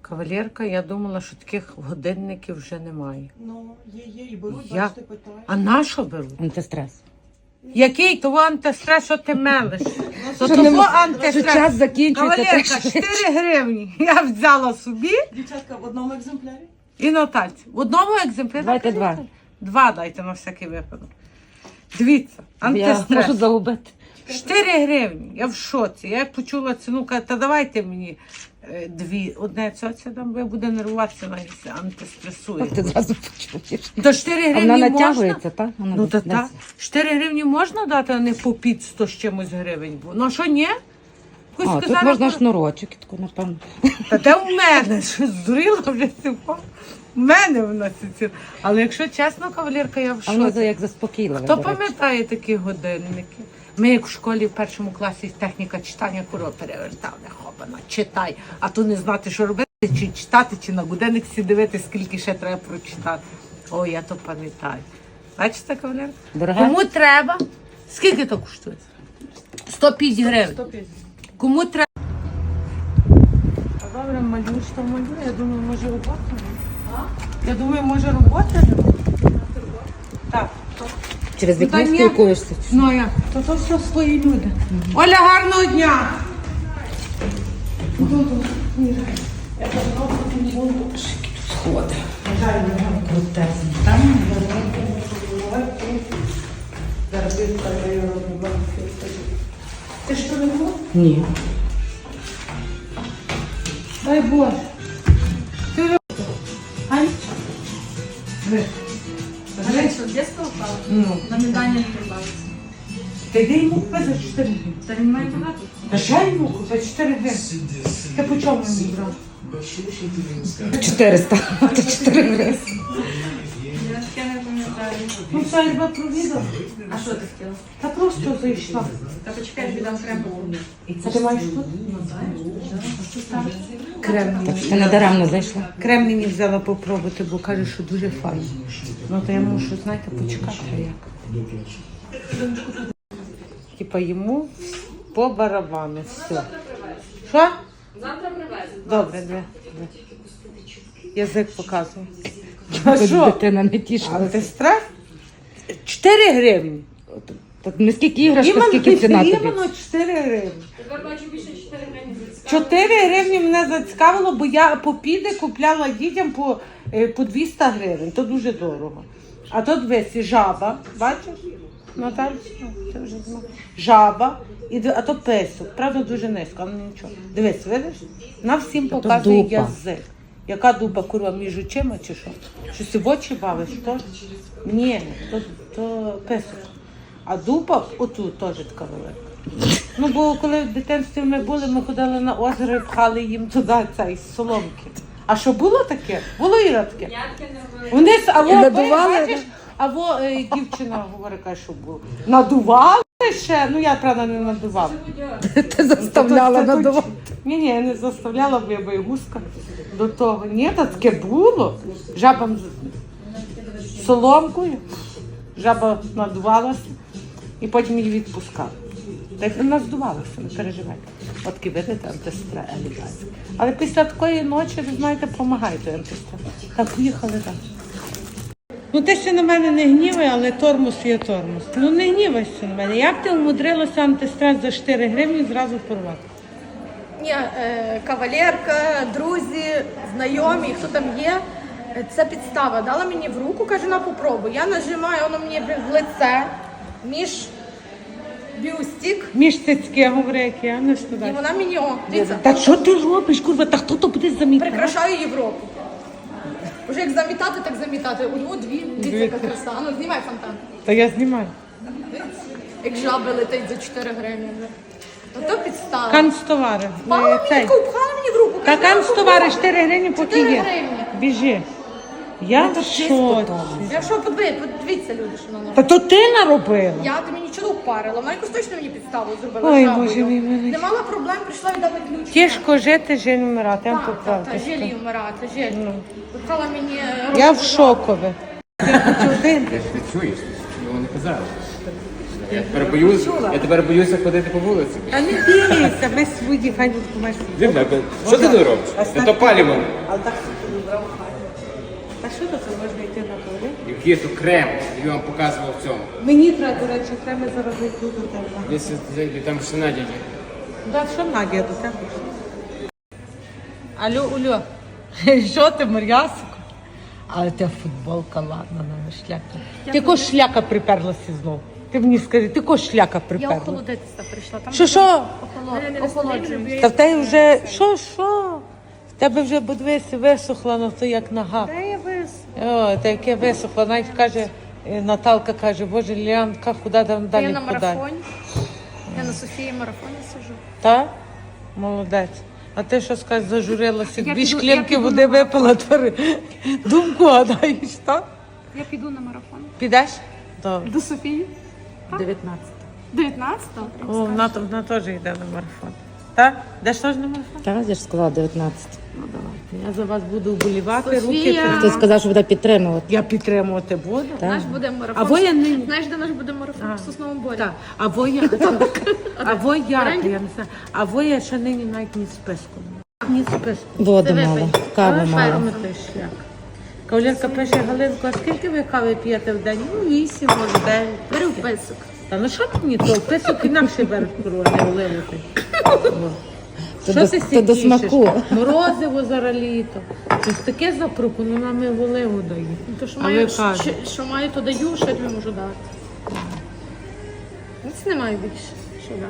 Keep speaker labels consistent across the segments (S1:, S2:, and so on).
S1: Кавалерка, я думала, що таких годинників вже немає.
S2: Ну, є, і беруть,
S1: Я-
S2: бачите, питають.
S1: А на що беруть?
S3: Антистрес.
S1: Який того антистрес, що ти мелиш? То
S3: Що
S1: того
S3: Що
S1: антистрес.
S3: час закінчується.
S1: Кавалерка,
S3: так що-
S1: 4 гривні. Я взяла собі
S2: Дівчатка, в одному екземплярі?
S1: і Натальці. В одному екземплярі.
S3: Давайте два.
S1: Два дайте на всякий випадок. Дивіться,
S3: Я
S1: антистрес.
S3: можу загубити.
S1: 4 гривні. Я в шоці. Я як почула ціну, кажу, та давайте мені дві. Одне цьоця дам, бо я буду нервуватися, навіть антистресує.
S3: Ти зразу почуєш.
S1: До 4
S3: А
S1: гривні
S3: вона
S1: можна?
S3: натягується, так? Вона
S1: Ну та
S3: десь-
S1: так. 4 гривні можна дати, а не по під 100 з чимось гривень. Ну а що ні? Якусь
S3: А, тут
S1: сказала,
S3: можна
S1: що-
S3: шнурочок, і таку, напевно.
S1: Та де в мене? Що здуріла вже цього? В мене вона ці. Але якщо чесно, кавалерка, я в
S3: А воно
S1: шоці.
S3: як заспокійливе.
S1: Хто
S3: до речі.
S1: пам'ятає такі годинники? Ми як в школі в першому класі техніка читання куро перевертали, хопана, читай. А то не знати, що робити, чи читати, чи на годинник всі дивитися, скільки ще треба прочитати. О, я то пам'ятаю. Бачите, кавалер?
S3: Дороге?
S1: Кому треба? Скільки то коштує? 150 гривень.
S2: 150.
S1: Кому треба? А добре, малюєш, то малює. Я думаю, може робота. Я думаю, може робота нема. Так.
S3: Через
S1: Ну, та
S3: вікно
S1: ні.
S3: спілкуєшся.
S1: Ну я, то все свої люди. Оля, гарного дня!
S3: Сходи. Крутезні.
S1: Ти що не було?
S3: Ні.
S1: Дай Боже. Ти ви- Ань? Ви.
S4: Раньше в детство упала,
S1: Ну.
S4: на медальне не прибавится.
S1: Ти йди йому купи за 4 гривні.
S4: Да не мать туда.
S1: Та ще йому купи за 4 гривні. Ти по чому йому брав?
S3: 400. Це 4 гривні.
S4: Я таке не пам'ятаю.
S1: Ну все, я тебе провідав.
S4: А що ти хотіла?
S1: Та просто зайшла.
S4: Та почекай, тобі дам крем.
S1: А ти маєш тут? Крем.
S3: Так що ти не даремно зайшла.
S1: Крем мені взяла попробувати, бо каже, що дуже файно. Ну то я мушу, знаєте, почекати як. Типа йому по барабану. Все. Що?
S4: Завтра привезу.
S1: Добре, де. Язик показує.
S3: Хоч
S1: А що?
S3: дитина не тішила.
S1: Але ти страх? 4 гривні.
S3: Так не скільки іграшка, скільки ціна тобі.
S1: Іменно 4 гривні.
S4: Тепер бачу більше 4 гривні.
S1: 4 гривні мене зацікавило, бо я по піде купляла дітям по 200 гривень. То дуже дорого. А тут весь жаба, бачиш? Наталь, це вже знаєш. Жаба, а то песок. Правда, дуже низько, але нічого. Дивись, видиш? На всім
S3: то
S1: показує
S3: дупа.
S1: язик. Яка дупа, курва, між очима чи що? Щось ти в очі бавиш, то? Ні, то песок. А дупа отут теж така велика. Ну, бо коли в дитинстві ми були, ми ходили на озеро і пхали їм туди цей з соломки. А що було таке? Було Іра таке?
S4: Я таке не робила.
S1: Вони або
S3: І надували,
S1: бачиш, або дівчина говорить, каже, що було. Надували ще? Ну я правда не надувала.
S3: Ти заставляла надавати.
S1: Ні, я не заставляла, бо я боягузка до того. Ні, та таке було. Жаба з соломкою, жаба надувалася і потім її відпускала. Так вона здувалася, не переживайте. От такі видите, антистрес елегантський. Але після такої ночі, ви знаєте, допомагає той антистрес. Так, поїхали так. Ну ти ще на мене не гнівай, але тормоз є тормоз. Ну не гнівайся на мене. Як ти умудрилася антистрес за 4 гривні зразу порвати?
S5: Ні, кавалерка, друзі, знайомі, хто там є, це підстава. Дала мені в руку, каже, на попробуй. Я нажимаю, воно мені в лице, між бюстик,
S1: Між цицьки, говорю, як я не
S5: і
S1: студаю.
S5: вона мені, о, дивіться,
S1: Та що ти робиш, курва? Та хто то буде замітати?
S5: прикрашаю Європу. Уже як замітати, так замітати. У нього дві, дивіться, яка краса. А ну, знімай фонтан.
S1: Та я знімаю.
S5: Як жаби летить за 4 гривні. То підстава.
S1: Канцтовари.
S5: Пала мені таку, пхала мені в руку.
S1: Та
S5: каже, на
S1: канцтовари
S5: попробуй.
S1: 4 гривні поки
S5: 4
S1: є.
S5: гривні.
S1: Біжи. Я в шоці.
S5: Якщо подивіться, люди, що вона
S1: Та то ти наробила.
S5: Я тобі нічого не впарила, вона якось точно мені підставу зробила.
S1: Ой,
S5: жабою.
S1: Боже мій милий.
S5: Не мала проблем, прийшла і дала ключ.
S1: Тяжко жити, жаль вмирати, я вам
S5: Так,
S1: поправте.
S5: жалію вмирати, жаль. Випхала мені
S1: Я в
S5: руку.
S1: шокові. Я хочу один.
S6: Ти чуєш? Його не казали. Я тепер боюся ходити по вулиці.
S1: Та не бійся, ми свої, хай тут маєш.
S6: Дивно, що ти не робиш? Це паліво.
S1: Але так собі брав хай. Та що це можна йти на туалет?
S6: Який то крем, я вам показував в цьому.
S1: Мені треба, до речі, треба зараз зайти до тебе.
S6: Десь там ще Надя є.
S1: Да, що Надя до тебе? Алло, Улю, що ти, Мар'ясико? Але тебе футболка, ладно, на шляпа. Ти ко шляка приперлася знову? Ти мені скажи, ти ко шляка
S5: Я
S1: приперла?
S5: охолодитися прийшла. Там
S1: Що?
S5: охолоджуюсь.
S1: Та в тебе вже, що? В тебе вже, подивися, висохла, ну то як нога.
S5: Де я вис?
S1: О, та яке висохло. Навіть каже, Наталка каже, боже, Ліанка, куди там
S5: Я
S1: далі
S5: на
S1: подай?
S5: марафоні. Я на Софії марафоні сижу.
S1: Так? Молодець. А ти що скажеш, зажурилася,
S5: Я
S1: дві
S5: піду-
S1: шклянки
S5: я піду
S1: води
S5: на
S1: випила, твори. Думку гадаєш, так?
S5: Я піду на марафон.
S1: Підеш? Добре.
S5: До Софії?
S1: 19.
S5: 19-го?
S1: О, вона теж йде на марафон. Так? Йдеш теж на марафон?
S3: Так, я ж сказала 19.
S1: Ну давайте. Я за вас буду вболівати,
S5: Софія.
S1: руки
S3: Ти
S1: тримати.
S3: сказав, що буде підтримувати.
S1: Я підтримувати буду.
S5: Наш буде марафон.
S1: А ви я нині.
S5: Знаєш, де наш буде марафон? В Сосновому Борі.
S1: Так, а ви я, я не знаю, а ви я ще нині навіть ні списку. Ні списку.
S3: Воду
S5: Ти
S3: мало,
S5: випий.
S3: каву
S5: Давай,
S3: мало.
S5: Фермер.
S1: Той шлях. Кавалерка пише, Галинко, а скільки ви кави п'єте в день? Ну, 8, може, 9.
S5: Бери вписок.
S1: Та ну що мені то? Писок інакше беруть корони, оливити.
S3: То
S1: Що
S3: до-
S1: ти
S3: то до
S1: сидішиш?
S3: смаку.
S1: Морозиво зараз літо. Щось таке запропонували, в оливу дають.
S5: То, що
S1: А
S5: маю,
S1: ви кажете?
S5: що маю, то даю, що я тобі можу дати. Ніц немає більше, що дам.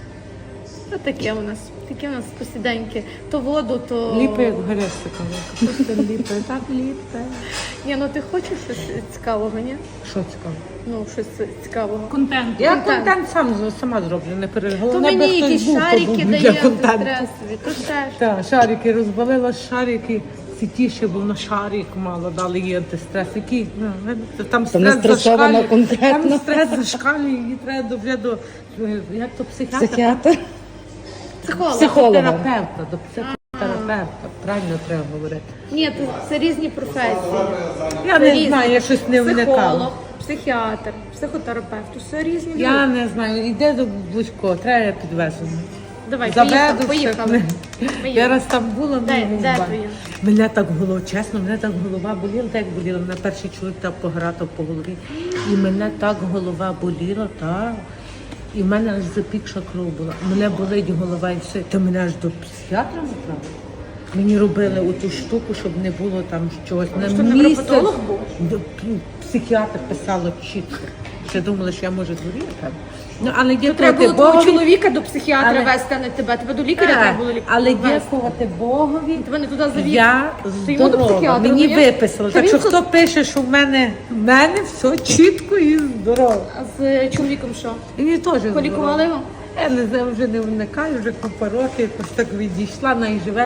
S5: Таке у нас посіденьки. То воду, то...
S1: Ліпе, як гресика. Просто ліпе, так ліпе.
S5: Ні, ну ти хочеш щось цікавого, ні?
S1: Що цікаво?
S5: Ну, щось цікавого.
S4: Контент.
S1: Я
S5: Контент.
S1: контент сама зроблю, не переживай.
S5: То
S1: Головне,
S5: мені
S1: би хтось
S5: якісь
S1: був, хто
S5: шарики
S1: був
S5: дає
S1: для контенту.
S5: антистресові, то теж.
S1: Так, шарики розбалила, шарики ситіше, бо на шарик мало дали їй антистрес. Який, ну, видите, там
S3: не
S1: стрес
S3: стресована
S1: зашкалює.
S3: конкретно.
S1: Там стрес зашкалює, її треба до як то психіатра?
S3: Психіатр.
S5: Психолог.
S3: Психолога.
S1: Терапевта, до психотерапевта. Правильно треба говорити.
S5: Ні, це різні професії.
S1: Я
S5: Це
S1: не
S5: різні.
S1: знаю, я щось не вникала.
S5: Психолог, психіатр, психотерапевт. Все різні люди.
S1: Я не знаю, йде до будь-кого, треба я підвезу.
S5: Давай,
S1: Заведу
S5: поїхали.
S1: все. Я раз там була,
S5: Де
S1: ну,
S5: твоє?
S1: мене так голова, чесно, мене так голова боліла, так як боліла. Мене перший чоловік так погратав по голові. І мене так голова боліла, так. І в мене аж запікша кров була. Мене болить голова і все. Та мене аж до психіатра направили. Мені робили оту штуку, щоб не було там чогось. На
S5: Що,
S1: місяць
S5: невропатолог був?
S1: Психіатр писало чітко. Ще думали, що я можу хворіти. Ну, але
S5: Треба
S1: дякувати
S5: було твого
S1: Богові.
S5: чоловіка до психіатра
S1: Але-
S5: вести, а не тебе. Тебе до лікаря треба було лікаря.
S1: Але
S5: вести.
S1: дякувати Богові.
S5: Тебе не туди завів.
S1: Я
S5: Ти йому до
S1: здорова,
S5: психіатра
S1: мені
S5: завів?
S1: виписали.
S5: Та
S1: Так
S5: він
S1: що хто пише, що в мене все чітко і здорово.
S5: А з чоловіком що?
S1: І мені теж
S5: Полікували
S1: здорово.
S5: його?
S1: Я не знаю, вже не вникаю, вже купа років, якось так відійшла, навіть живе.